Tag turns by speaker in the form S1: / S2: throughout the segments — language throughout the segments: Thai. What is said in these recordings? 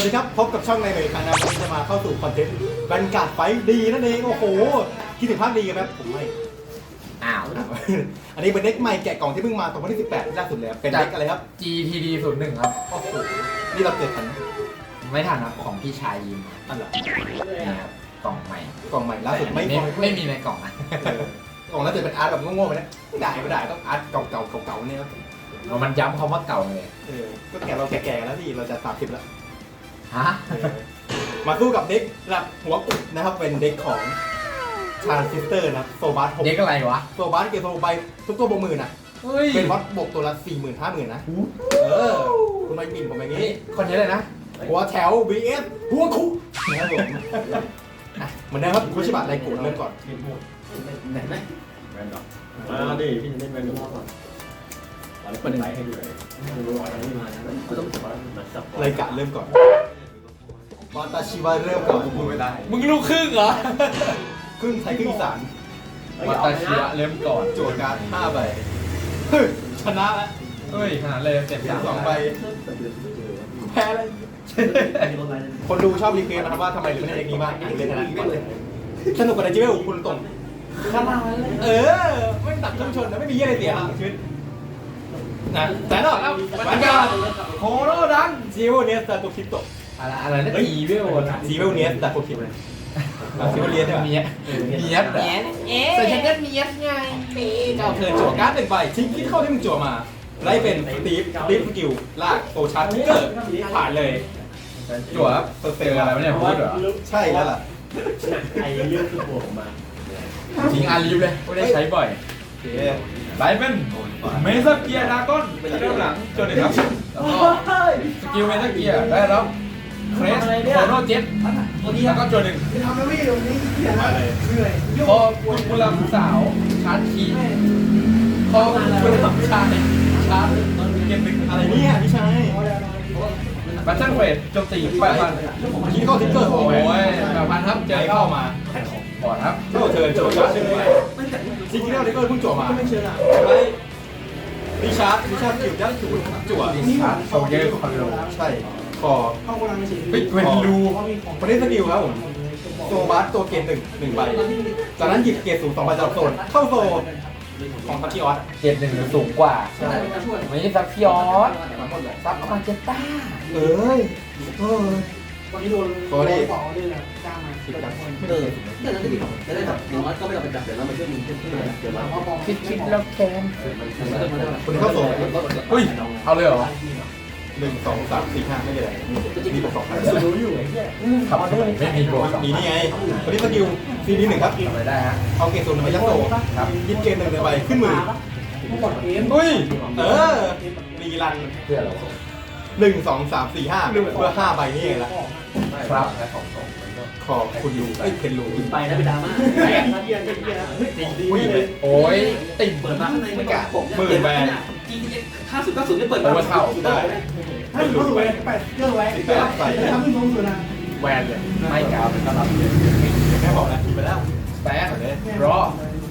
S1: วัสดีครับพบกับช่องในเมย์คานะวันนี้จะมาเข้าสู่คอนเทนต์บรรยากาศไฟดีนั่นเองโอ้โหคิดถึงภาพดีกันไหมผมไม่
S2: อ้าว
S1: อันนี้เป็นเด็กใหม่แกะกล่องที่เพิ่งมาตอนวันที่18ที่ล่าสุดเลยเป็นเด็กอะไรครับ
S2: GTD 01ครับ
S1: โอ้โหนี่เราเกิดทัน
S2: ไม่ทันครับของพี่ชายยิม
S1: อันเหรอ
S2: นี่ครับกล่องใหม่
S1: กล่องใหม่ล่าสุดไม่
S2: ไม่มีในกล่องนะ
S1: กล่องล่าสุดเป็นอาร์ตแบบโง่ๆไปนะไม่ได้ต้องอาร์ตเก่าๆเนี่ยครับ
S2: มันย้ำคำว่าเก่าเลย
S1: ก็แกะเราแก่ๆแล้วที่เราจะ30แล้ว
S2: ฮะ
S1: มาสู้กับเด็กระดับหัวกุดนะครับเป็นเด็กของทรานซิสเตอร์นะโซบัส6
S2: เด็กอะไรวะ
S1: โซบัสเกมโซใบทุกตัวบวกหมื่นอ่ะ
S2: เฮ้ย
S1: เป็นวัดบวกตัวละ40,000 50,000นะคุณไม่บินผมอย่างนี้
S2: คนนี้เลยนะ
S1: หัวแถว vs หัวคุนะครับผมเหมือนเดิมครับคุชิบะไรกูเริ่มก่อน
S3: ไหนไหมแมนดอกมาดิพี่จะเล่นแมนดอกก่อนเปิดไลท์ให้ดูเลยไม่รู้อะไรมานะก็ต้องจับมันจับ
S1: ไรกะเริ่มก่อนวาตาชิวะเริ่มก่อนพูดไม่ได้
S2: มึงลูกครึ่งเหรอ
S1: ครึ่งไทยครึ่งอีสาน
S2: วัตชิวะเริ่มก่อน
S1: โจทย์การ5 ใบชนะแล้ว
S2: เฮ้ยขนาดเลยเต็ม
S1: 2 ใบแพ้เลยคนดูชอบรีเควสต์นะครับว่าทำไมถึงไม่เล่นอย่างนี้บ้างเล่นขนาดนี้สนุกกว่าในจิเวลคุณตรงไม่ตัดเครื่องชนนะไม่มีเยี่ยอะไรเสียชีวิตนะแต่นอกแล้ววันการโคโรดันจิเวลเนสแต่ตัวคลิปตก
S2: อะไรนะอีเวล
S1: จิเวลเนสแต่ตัวคลิปเลยจิเวลเนสใช่ไหม
S2: เนียดแต่ฉันก็เนียดไง
S1: เจ้าเทิร์นจั่วการ์ด1 ใบทิ้งคิดเข้าที่มึงจั่วมาไล่เป็นสตีฟสกิลลากโซชาร์ทิกเกอร์ผ่านเลย
S2: จั่วครับเจออะไรไม่ได้พูดเหรอ
S1: ใช่แล้วล่ะ
S3: ไอ้เรื่องคือหัวผมมา
S2: ทิ้งอาลีฟเลยไม่ได้ใช้บ่อย
S1: โอเค
S2: ไลฟ์เป็นเมซัเกียร์ดากอนเริ่มหลังจนถึงครับแล้วก็สกิลเมซัเกียร์ได้รับเครสโคโนเจ็ตแล้วก็จนหนึ่ง
S4: ทำแล้วไม่ตรงนี้เขียนอะไรเหนื่อย
S2: พอคุณกุลำสาวชาร์จคีพอคุณลำชายชาร์จเกมหนึ่ง
S1: อะไรเนี่ยพี่ชาย
S2: บัตเทิลเฟสโจมตี8,000
S1: คิดเข้าทิกเกอร์โอ้
S2: โอ้
S1: ย
S2: ย8,000ครับเจ
S1: ใจ
S2: อ
S1: เข้า
S2: เข้า
S1: มา
S2: บอดครับ
S1: เข้าเทิร์นจั่วการ์ด1 ใบจริงๆแล้วทิกเกอร์เพิ่งจั่วมา
S4: ไม่เชื่อละ
S1: ไว้ดิชาร์ดคิวได้จั่วจั่ว
S2: นี่ชาร์จโชเยอร์คอนโด
S1: ใช่คอ
S4: เข้าโกดังเฉย
S2: ปิดเวนลู
S1: ประเด็นสกิลครับผมโซบัสตัวเกต1 ใบจากนั้นหยิบเกตสูง2 ใบจากโซนเข้าโซนของพักกี้ออส
S2: เจ็ดหนึ่งหรือสูงกว่าไม่ใช่ซับพิออสซับมาเจต้า
S1: เอ้ย
S4: วันนี้โดนต่อเลยนะจ้างมา
S1: คิดกัน
S3: เดี๋ยวนั้นจะดีจะได้แบบอย่างน้อยก็ไม่ต้องไปจับเดี๋ยวเรามาช่วยมึงช่วยเดี๋ยวเรา
S2: คิดแล้วแกน
S1: คุณเข้าโซน
S2: อุ้ยเอาเลยเหรอ
S1: 1 2 3 4 5ไม่ใช่อะไรมีบวก2
S3: รู้อยู่ไอ้เหี้ย
S2: ขับไม่มีโบสอง
S1: มีนี่ไงประเด็นสกิลซีดี1ครับ
S2: ทำอะไรได้ฮะ
S1: เอาเกตสูง1 ใบยัดโซครับยิบเกต1 ใบขึ้นมือ
S4: หมดเกม
S1: อุ้ยรีรัน
S2: เพื่อเรา
S1: 1 2 3 4 5เพื่อ5 ใบนี่เองละ
S2: ครับ
S1: ขอบคุณดูเพนรู
S3: ไปนะไปดราม่าไอ้เหี้ยเหี้ยเฮ้ยดีเลย
S2: โอ้ยติ่ม
S3: เปิดมาข้างในไม่กะ50 90ไม่เปิด
S2: โอเวอร์เท่า
S1: ได้
S4: ให้เขาดูไว้แปดเรื่องไว้ทำให้น้องอยู่นะ
S2: แวนเลยไม่กาวเป็นตลับ
S1: แม่บอกแล้วกินไปแล้ว
S2: แป๊ะเลยรอ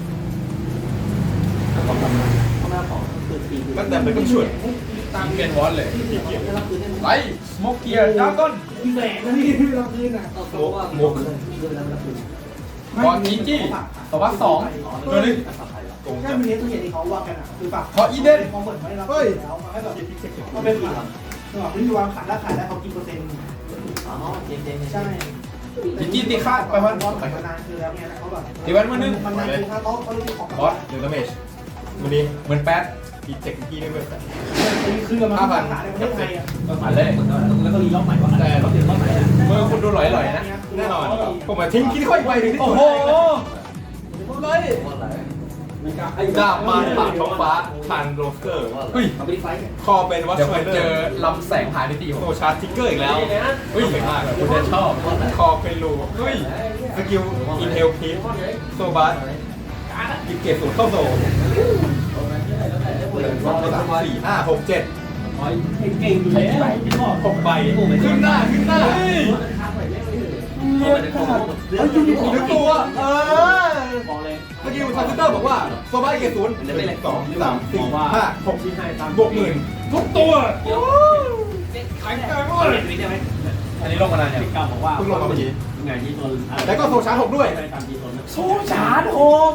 S3: ข้างหน้าของคือตี
S1: ตั้งแต่เป็นต้องช่วย
S2: ตามเกนวอลเลยไลสโมกเกียร์ดากอน
S4: แหวนนะพี่เราคืนอ่ะ
S1: มุก
S2: บอลจีจี้ตัววัด2ตัวนึง
S1: โกง
S4: แค่
S1: จับ
S4: มีเนี้ยตัวเห็นที่เขาว่ากันอ่ะคือฝาก
S2: ขออีเดน
S4: เขาเหมือนไม่รับแล้วให้แบบเขาเป็นฝากสำหรับที่วางขายได้เขากินเปอร์เซ็นต์
S3: อ๋อเจน
S4: ใช่
S2: จีจี้ตีค่าไปวัน
S4: บอลขายมานานคือแล้วเนี่ยเขาแบบ
S2: ตีแวนมือนึง
S4: มันนานคือถ้าโต๊ะเขารู้ของ
S1: บอสหนึ่งดาเมจวันนี้
S2: เหมือนแป๊ด
S1: พีเจ็คพี่ไม่เบิร์ด
S4: คือมันขายในประเทศไทยอ่ะ
S2: มาเลย
S3: แล้วก็รีล็อกใหม่ว่าแต่ล็อกเดี๋ยวล็อกใหม่นะ
S2: มือคุณดูหลอยๆนะ
S1: แน่นอนผมมาทิ้งคิดค่อยไปถึงที่
S2: โอ้
S1: จุด
S2: โห
S1: เลยดาบมาปากท้องฟ้าทานโรสเกอร์
S2: เฮ้ย
S3: ทำไม่ได้ไฟ
S1: คอเป็นวัช
S2: เดี๋ยว
S1: ไว
S2: ผม
S1: เดอ
S2: เจอ
S1: ร์
S2: ลำแสงผ่านนิติผ
S1: โซ
S2: ม
S1: ชาร์ทิกเกอร์อีกแล้ว
S2: เฮ้ยมากคุณจะชอบ
S1: คอเป็นรูเฮ้ยสกิลอินเทลพีโซบัสกิเกตสูงเข้าโซ1 2 3 4 5 6 7
S4: เก่งอยู่แล้ว
S1: 6 ใบขึ้นหน้านึกตัวเมื่อกี้ทาร์ติเตอร์บอกว่าโซบัสเกตศูนย์1 2 3 4 5 6 บวก10,000ทุกตัวแข็งแกร่งมากเลย
S3: ได้ไหม
S1: ไ
S2: ลงมานานยัง
S3: เก่าบอกว่า
S1: เพิ่งลงมาเมื่อกี้
S3: ไงที่ตัว
S1: แล้วก็โซชาร์จ6ด้วย
S3: ตามที่ตัว
S2: โซชาร์จโหก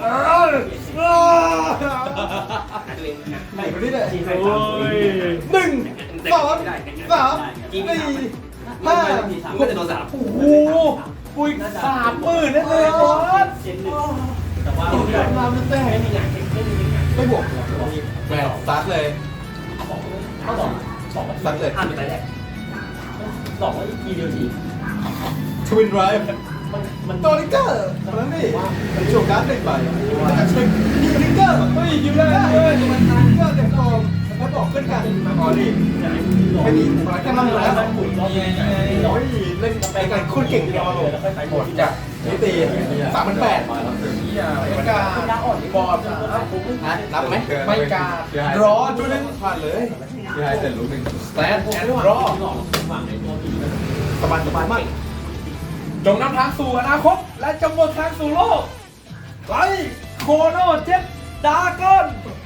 S1: ไหนดูดิเลย
S3: โอ้ย
S1: 1 2 3 4 5
S3: ก็จะโดนสาม
S2: โอ้โหปุย30,000นั่นเลยบอส
S3: แต่ว่า
S1: มามันแตก
S3: ไม่มีงานไม่มีงาน
S1: ไม่บวกแหวนซัดเลย
S3: เขาบอกห้ามไปแรกบอกว่าทีเดียวที
S1: ทวินไรฟ์
S3: มัน
S1: ตัวลิเกอร์คนนั้นนี่โชว์การ์ด1 ใบแล้วก็เช็คยิงลิเกอร์
S2: เฮ้ยยิงได้
S1: ได้
S2: เลย
S1: มันทานลิเกอร์เต็มฟอร์มแล้วบอกขึ้นกันอ๋อนี่ไม่มีอะไรแค่นั้นแล้ว
S2: นี่ไง
S1: โอ้ยเล่นไอ้กันคนเก่งเดียวเลย
S2: หมดจาก
S1: นี่ตี38,000
S2: เฮีย
S1: ไม่กล้า
S2: บอด
S1: ฮะรับไหม
S2: ไม่กล้ารอจุดนึง
S1: ผ่านเลย
S2: พี่ไฮเสร็จรู้หนึ่งสแตนแอนด์รอ
S1: สบายสบายมาก
S2: จงนำทางสู่อนาคตและจงหมดทางสู่โลกไลโคโนเจ็ตดากอน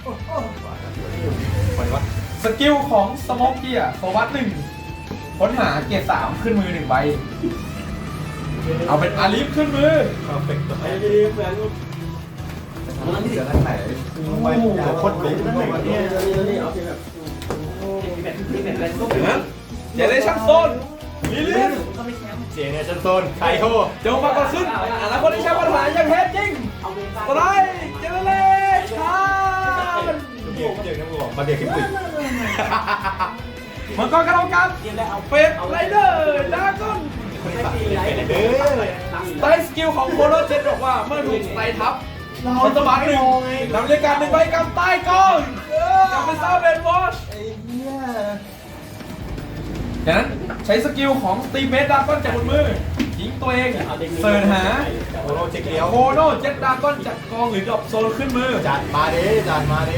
S1: ไปวะ
S2: สกิลของสโมกเกียร์โซวัต1ค้นหาเกียร์3ขึ้นมือ1ใบเอาเป็นอาลิฟขึ้นมือ
S1: เพอร์เฟกต์
S3: ไอ้ดีเหมือน
S1: เสือนั่งไหนไปโคตรลุ้น
S3: นี่เอาเป็นแบบนี่เป็นอะไรก็
S2: เห็นไหมเจเนเรชั่นโซนลิลิส
S3: ก็ไม่แชมป์
S1: เจเนชั่นโซนไคโฮ
S2: จงปรากฏขึ้นอนาคตที่แชมป์ปัญหาอย่างแท้จริง
S3: เอาเว
S2: สไลด์เจเนเรชั่น
S1: เบียร์นะมึงบอกมาเบียร์ขึ้นปีก
S2: มังกรกระโดดกัน
S3: เกมแล้วเอา
S2: เฟสไรเดอร์ดากอน
S1: คนที่สั่งเป็นเด้อ
S2: ไตสกิลของโคโนเจ็ตบอกว่าเมื่อถูกไตทับคนสมาร์ท1นำเรียกการ1ใบกำใต้กองกำเป็นซาเบนวอช
S1: ไอ้เหี้ย
S2: จากนั้นใช้สกิลของตีเมดดากอนจากบนมือยิงตัวเองเสิร์ชหา
S1: โอโรเจ็กเลี้ยว
S2: โคโนเจ็ตดากอนจากกองหรือดรอปโซนขึ้นมือ
S1: จัดมาเด้จัดมาเด้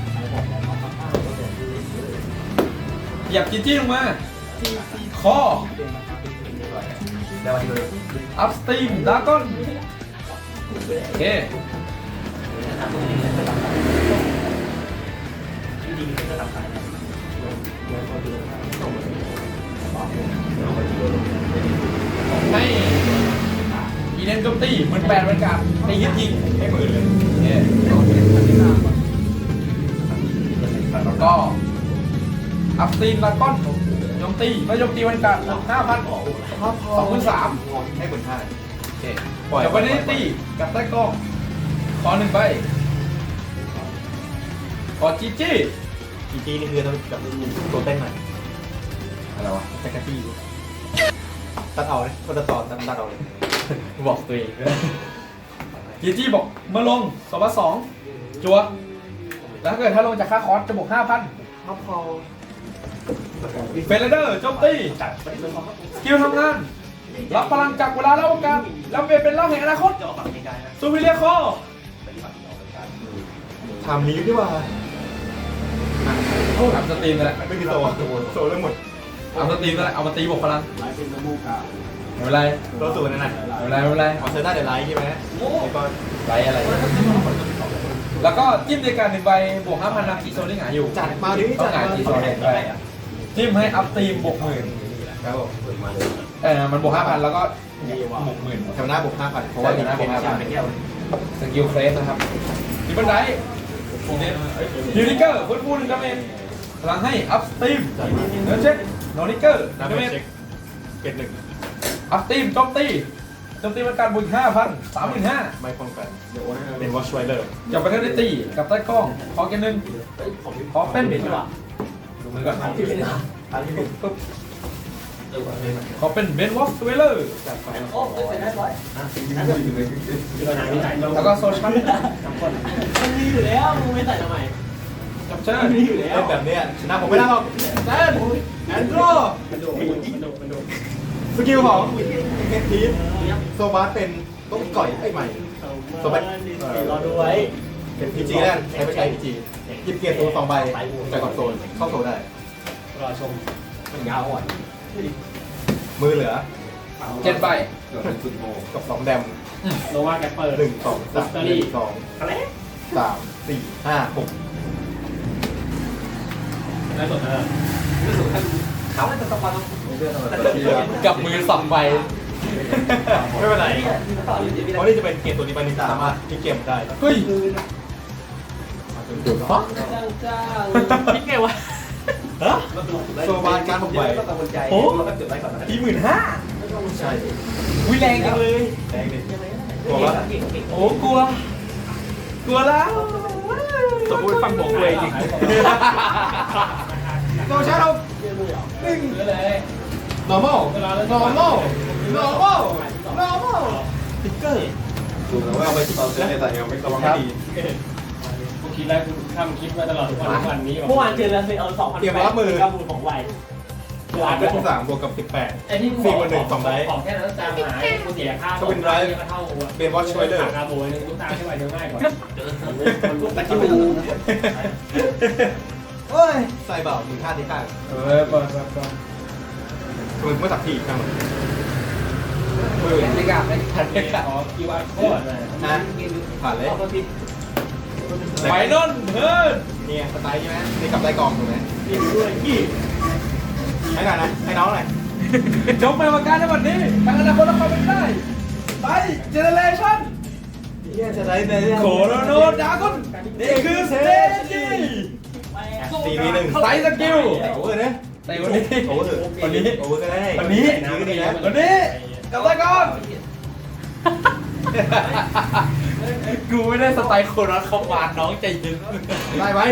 S2: เหยียบจีจี้ลงมาคอ
S1: ได้วันเลย
S2: อัพสตรีมดากอนโอเคให้อีเดนโจมตีมัน8เป็นการตีฮิตยิงให้หมื่นเลยโอเคแล้วก็อัพสตรีมดากอนโจมตีไม่โจมตีเป็นการ5,000 23,000
S1: ให้คนท่า
S2: โอเคเดี๋ยววันนี้ตีกับใต้กล้องขอ1ใบขอจีจี้
S1: จีจีนี่คือต้องกับตัวเต้นหน่อย
S2: อะไรวะ
S1: แจ็คกี้ตัดเอาเลยคนตัดต่อตัดเอาเลย
S2: บอกตัวเองจีจี้บอกเมื่อลง2 จัว แล้วถ้าเกิดถ้าลงจากค่าคอร์สจะบวก 5,000
S1: ท็อปพอล
S2: เฟรเดอร์โจมตีสกิลทำงาน รับพลังจากเวลาและโอกาสแล้วเปลี่ยนเป็นร่างแห่งอนาคตซูเปอร์เรียคอ
S1: ทำนี้ดีกว่า
S2: ทำสตรีมนั่นแหละ
S1: ไม่มีโซโซเรื่องหมด
S2: เอาสตรีมนั่นแหละเอามาตีบวกพลัง
S3: หลายเป็นน้ำมูกอ่ะ
S2: ไม่เป็นไร
S1: ตัวสูงนั่นน่ะ
S2: ไม่เป็นไรไม่เป็นไร
S1: เอาเซอร์น่าเดลไลท์ใช่ไหมไอ้ก้อน
S2: ไรอะไร แล้วก็จิ้มในการ1ใบบวก 5,000นาทีโซลิ่งหาอยู่
S1: จัดมาดิ
S2: ต้อ
S1: จั
S2: ง
S1: ด
S2: หา
S1: มา
S2: จี
S1: ดิ
S2: โซลิ่งไปจิ้มให้อัพตีมบวก 10,000
S1: ครับผม
S2: มันบวก 5,000 แล้วก็บวก 10,000
S1: แถวหน้าบวก 5,000เพราะว่า
S2: แถวหน้าบวก 5,000
S1: ไปแก้ว
S2: สกิลเฟสนะครับที่บันไดยูนิเกอร์ฟื้นฟู1ดาเมจพลังให้อัพสตรีมเนื้อเช็คโนนิเกอร์
S1: น้ำ
S2: ดา
S1: เม
S2: เมจ
S1: เช็คเกตหนึ่ง
S2: อัพสตรีมโจมตีเป็นการบวก 5,000 35,000
S1: ไม่ป้องกันเป็นวอชไวเลอร์
S2: จับไปแค่ได้ตีกับใต้กล้องขอเกมหนึ่งขอเป็นดูมือก่อนขอเป็นเบนวอล์กสเวลเลอร์
S3: โอ้เสร็จได้ร้อย
S2: แล้วก็โซชั่น
S3: มันมีอยู่แล้วมึงไม่ใส่ทำไม
S2: จับเชิญ
S3: มันมีอยู่แล้ว
S1: เล่นแบบเนี้ยชนะผมไม่ได้หรอกแซนแอนโดร
S3: มันโดน
S1: สกิลของเฮดทีมโซบาสเป็นต้มก่อยไอ้ใหม่โซบาส
S3: รอดูไว้
S1: เป็นพีจีแล้วใช้ไม่ใช้พีจีหยิบเกียร์ตัว2 ใบจากคอนโซลเข้าโซลได้
S3: รอชมมันยาวอ่อน
S1: มือเหลือ
S2: 7 ใบ
S1: กับ2 แดม
S3: โลว่าแกเปิด
S1: 1 2 3 1 2
S3: อะไร
S1: 3 4 5 6
S3: ได้สดไม่สดท่านเขาจะสปอน
S2: กับมือสองใบ
S1: ไม่เป็นไรเพราะนี่จะเป็นเกมตัวนี้ไปนี่สามารถที่เกมได้
S2: เฮ้ย
S1: ฟัก
S2: คิดไงวะ
S1: ฮะโซบานการผมไหว
S3: โอ้เราก็จุดไว้ก่อนนะ
S1: ใช่
S2: วิแรงจังเลย
S1: แรงดิบอกว่า
S2: โอ้กลัว กลัวแล้วสมมติฟังบอกเลยจริง
S1: โซชาร์เราnormal normal normal normal ติ๊กเกอร์ดูแล้วว่าเอาไปตอนเล่นในแต่ยังไม่ระวังให้ดี
S5: กูคิดแล้วกูทำคลิปมาตลอดทุกวันนี้
S3: เมื่อวานเจอแล้วเอา2,000
S1: เตรียมรับมือ
S3: กับมือของไว
S1: เป็นที่3บวกกับ18
S5: ไอ้ที่กู
S1: 4 บวก 1 2ไลท์
S5: ของแค่นั้นตามหายกูเสียค่า
S1: ก็เป็นไร
S5: ก็เท่ากู
S1: เป็น Watch Rider
S5: คาโบยนึงกูตามให้ไวเดี๋ยวง่ายกว่า
S3: แต่ที่มือ
S1: เฮ้ยใส่เบามึงท่าที่ข้าง
S2: เปิด
S1: มึงไม่ตักที่ข้าง
S2: ไม่กล้าไม่ทันไม่กล้า
S5: ขอคิวอาร์โคดเลย
S1: นะผ่านเลย
S2: ไฟนนเฮ้ย
S1: เนี่ยสไตล์ใช่ไหมนี่กลับได้กองถูกไหมให้หน่อยนะให้น้องหน่อย
S2: จงไปประการในวันนี้ทางอนาคตเราเป็นได้ไปเจเนเรชั่น
S1: เนี่ยจะได้ใน
S2: โคโรโนดากอนนี่คือสเตจี
S1: 4v1
S2: ไซสกิล
S1: โอเวอร์เนี่ย
S2: ในวันนี้
S1: โอเวอร์วันนี้โอเวอร์ก็ได้
S2: วันนี้
S1: ก็ดีแล้ว
S2: วันนี้กลับได้ก่อนกูไม่ได้สไตล์โคโรนเขาหวานน้องใจเย็น
S1: ได้ไหม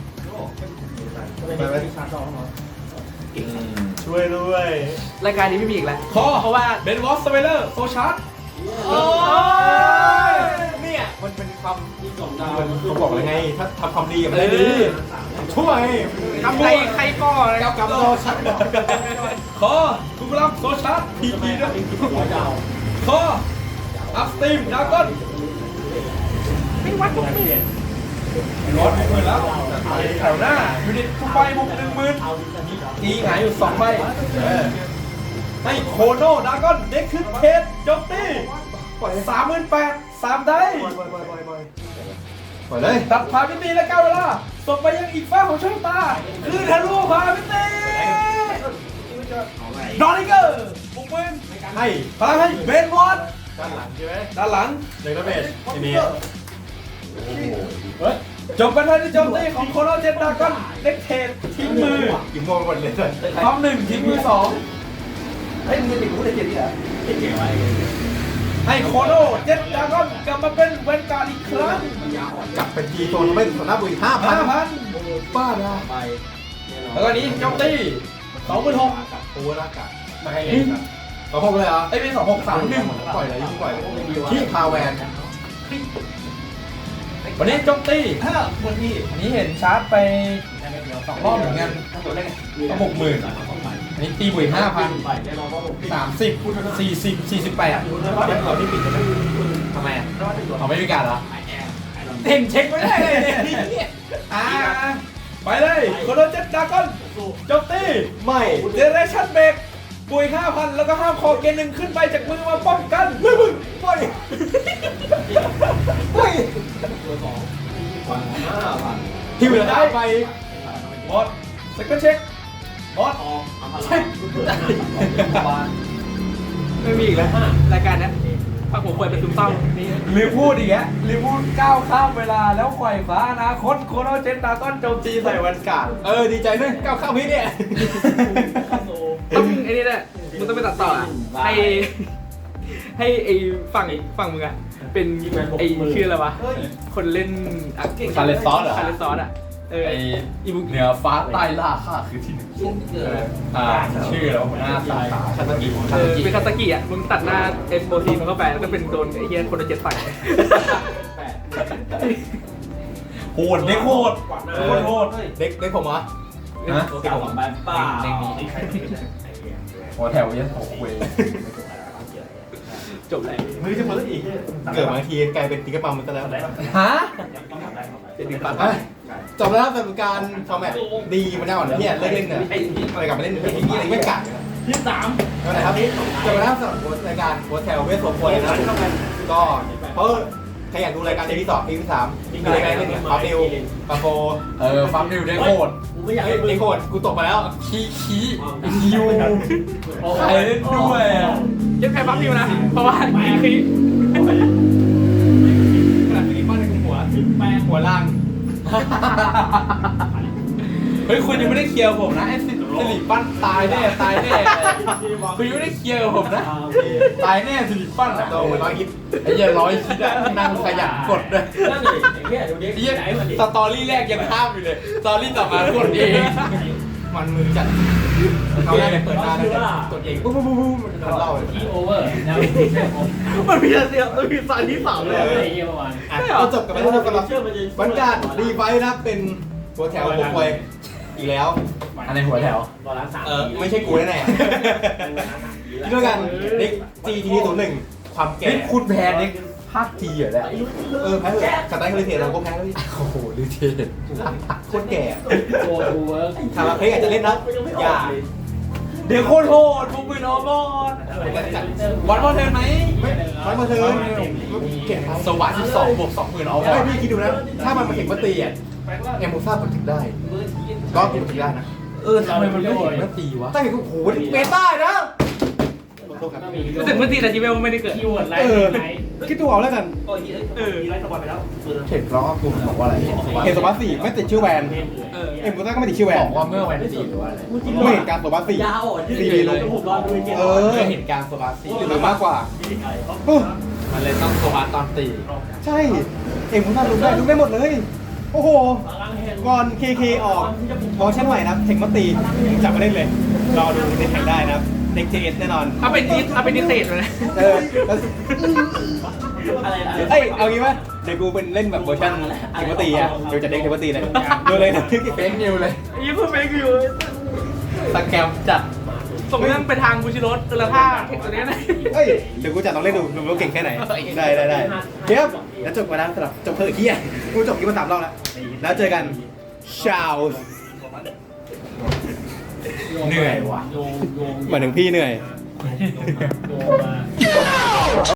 S1: ช่วยด้วย
S3: รายการนี้ไม่มีอีกแล้ว
S2: คอเพราะว่าเบนวอสสเปเลอร์โซชาร์ด
S1: โอ้ยเนี่ยมันเป็นความเขาบอกเลยไงถ้าทำความดีมันได้ดีช่วยทำใครก่อนกับโซชัด
S2: คอกูรับโซชาร์ดพีพีด้วยคออัพสตรีมดากอนไม่วัดกูไม่รถหมื่นแล้วแถวหน้ายูนิตทุกใบบุก10,000ตีหงายอยู่2ใบให้โคโนดากอนเด็กขึ้นเทสโจมตี38,000 3ได้
S1: ปล่อยเลย
S2: ตัดพาพิตีและ9เวลาส่งไปยังอีกฝ้าของโชคตาคือทะลุพาพิตีดอนิเกอร์บุกเวน
S1: ให้
S2: พลังให้เบนวอต
S1: ด้านหลังใช่ไหม
S2: ด้านหลัง
S1: เลยนะเบสทีนี้
S2: จบกันทันที่โจมตีของโคโนเจนดากอนเด็กเทสทิ้งมือ
S1: อิ่มโมหมดเลย
S2: พร้อม1ทิ้งมือ2
S3: เฮ้ยมึงจะติดกูได้เกียรติเหรอ
S2: ให้โคโนเจนดากอนกลับมาเป็นเวนการ์ดอีกครั้ง
S1: กลับเป็นทีโซนเป็นสนามบุรี5,000
S2: 5,000
S1: บ้านะ
S2: แล้วก็นี้โจมตี26,000
S1: โอเวอร์ร่างกาย
S5: มาให้เล่นครับ
S1: เอาพกเลยเหรอ
S2: ไอ้เป็น2631
S1: ปล่อยเลยยิ่งปล่อยที่คาแวน
S2: วันนี้โจมตี
S3: คนที่
S2: อันนี้เห็นชาร์จไป2 รอบเหมือนกันก็60,000อันนี้ตีบุย5,000 30 40 48
S1: เราที่ปิดใช่ไหม
S2: ทำไมอ่ะเอาไม่มีการเหรอเห็นเช็คไม่ได้เลยเนี่ยไปเลยโคโนเจ็ตดากอนโจมตี
S1: ไม่
S2: เจเนเรชั่นเบรกบุย 5,000 แล้วก็ห้ามคอเกณฑ์หนึ่งขึ้นไปจากมือมาป้องกันไม่มึง
S1: ปล่อยปล่อยที่เหลือได้ไป
S2: หมดสกิลเช็คหมดเช็ค
S3: ไม่มีอีกแล้วรายการนี้พักหัวควยเป็นซึมเศร้านี่
S2: ลืมพูดอีกแล้วลืมพูดก้าวข้ามเวลาแล้วไขว่คว้าอนาคตโคโนเจนดากอนโจมตีใส่วันการ์ด
S1: ดีใจด้วยก้าวข้ามพี่เนี่ย
S3: ต้องไอ้นี่แหละมึงต้องไปตัดต่อให้ไอ้ฝั่งมึงอะเป็นไอ้ชื่ออะไรวะคนเล่นคาเลซอสอะ
S2: ไอเหนือฟ้าใต้ล่าข้าคือที่หนึ่งชื่อแล้วหัวหน้าตายคาตากิ
S3: เป็นคาตากิอะมึงตัดหน้าเอ็มโปรตีนมันเข้าไปแล้วก็เป็นโดนไอ้เหี้ยคนละ7 ใส่
S2: โหดเด็กโหดโหด
S1: เด็กผมเหรอ
S2: นะ
S5: เก่าแบบป้า
S2: เด็กนี้หัวแถวยันโอ้โห
S3: จบเลย
S1: มือจะมาอีกเกิดมาทีกลายเป็นติ๊กปั๊มมันซะแล้ว
S2: ฮะ
S1: จบแล้วสำหรับการฟอร์แมตดีมันแน่นอนเนี่ยเลิกเล่นเนี่ยอะไรกลับมาเล่นไอ้นี่อะไรไม่กัด
S5: ที่3
S1: ก็ไหนครับจบแล้วสำหรับรายการโฮเทลเวสโซโฟนนะครับก็เพราะใครอยากดูรายการที่2 ที่3มีรายการเล่นเนี่ยฟัมนิวปาโฟ
S2: ฟัมนิวได้โคตร
S3: กูไม่อยากให้
S1: ไอ้โคตรกูตกมาแล้ว
S2: ขี้ยูใครเล่นด้วยอ่ะ
S5: ยังแพ้ปั๊บนิวนะ เพราะว่าคี
S1: ขนาดนี้ป้อนในหัวล่าง
S2: เฮ้ยคุณยังไม่ได้เคลียร์ผมนะไอ้สิริปั้นตายแน่คุณยังไม่ได้เคลียร์กับผมนะตายแน่สิริปั้นอ่ะ
S1: โตเหมือน100 ฮิต
S2: ไอ้เหี้ย100 คิดอ่ะนั่งขยันกดด้วย
S3: นั่นเลยไอ้เหี้ยดูดิ
S2: ไอ้เหี้ยสตอรี่แรกยังห้ามอยู่เลยสตอรี่ต่อมากดเอง
S1: มันมือจัดเขาแรกเปิดตาเลยกดเองปุ๊บปุ๊บปุ๊บมันเล่าเลย
S5: โอเวอร์แล้ว
S3: มันมีเสียงมันมีสายที่สามเลย
S5: ไอ้เหี้ยเมื่อวาน
S1: เราจบกันไปแล้วสำหรับวันการรีไฟนะเป็นหัวแถวผมวยอีกแล้ว
S2: อะไรหัวแถว
S3: รอล้างสาม
S1: ไม่ใช่กูแน่ๆที่ด้วยกันเด็ก GT01 ความแก่
S2: นี่คุณแพ้เด็กภาคจีเหรอเนี่ย
S1: แพ้เลยสไตล์คาริเทเราก็แพ้แล้ว
S2: โอ้โหดูเท่
S1: โคตรแก่
S5: โอเวอร์
S1: คาราเพกอาจจะเล่นนะอย่า
S2: เดี๋ยวโคตรโหดพวกมือนอบอลวันบอลเทิร์นไหม
S1: ร้อยมาเทิร์นเก่ง
S2: สวัสดิ์12 บวก 20,000เอาบอ
S1: ไม่
S2: ล
S1: พี่คิดดูนะ ถ้ามันมาเห็นมาตีอ่ะเอ็มโมซ่ามันถึงได้ก็กินถึงได้นะ
S2: ทำไมมันไม่เห็นว่าตีวะ
S1: ตั้งแต่กูโหเมตานะ
S5: รู้สึกเมื่อตีแต่จีเวลไม่ได้เกิดคีย์เวิร์ดไลท์ไหน
S1: คิดดูเอาแล้วกัน
S3: มีไลฟ์สปอยไปแล้ว
S2: เห็นร้องกูบอกว่าอะไร
S1: เห็นโซบัส4ไม่ติดชื่อแวนเอ็มโมซ่าก็ไม่ติดชื่อแวน
S2: บอกว่าเมื่อวันที่4หรือว่าอะไร
S1: ไม่เห็นการโซบัส4
S3: ยาวอ่ะยืดเลยผมรอดูเกม
S2: ไม่เห็นการโซบาซี
S1: หรือมากกว่า
S2: มันเลยต้องโซบาตอนตี
S1: ใช่ เอ็มโมซ่ารู้ได้หมดเลย โอ้โห ก่อน KK ออกเวอร์ชันใหม่นะเทคมาตีจับมาเล่นเลย รอดูในแข่งได้นะครับเด็ก JS แน่นอน
S5: เอาเป็นนิเศษเลย
S1: แล้ว
S3: อะไรนะ
S1: เอ้ย เอางี้ป่ะเดี๋ยวกูเป็นเล่นแบบเวอร์ชันเทคมาตีอ่ะเดี๋ยวจะเด็กเทคมาตีเลยดูเลยนะ
S2: เฟกนิวเลย
S5: ยี่เพิ่งเฟกอยู่
S2: สแกมจัด
S5: ส่งเรื่องไปทางบูชิโรสเออถ้าเทคตัวนี้นะ
S1: เอ้ย เดี๋ยวกูจะลองเล่นดูว่าเก่งแค่ไหน ได้เทียบแล้วจบมาแล้วสำหรับจบเถอะเฮียกูจบกี่มา3 รอบแล้ว แล้วเจอกันชาว
S2: เหนื่อยว่ะ
S5: โยง
S1: เหมือนถึงพี่เหนื่อย
S5: โยงมา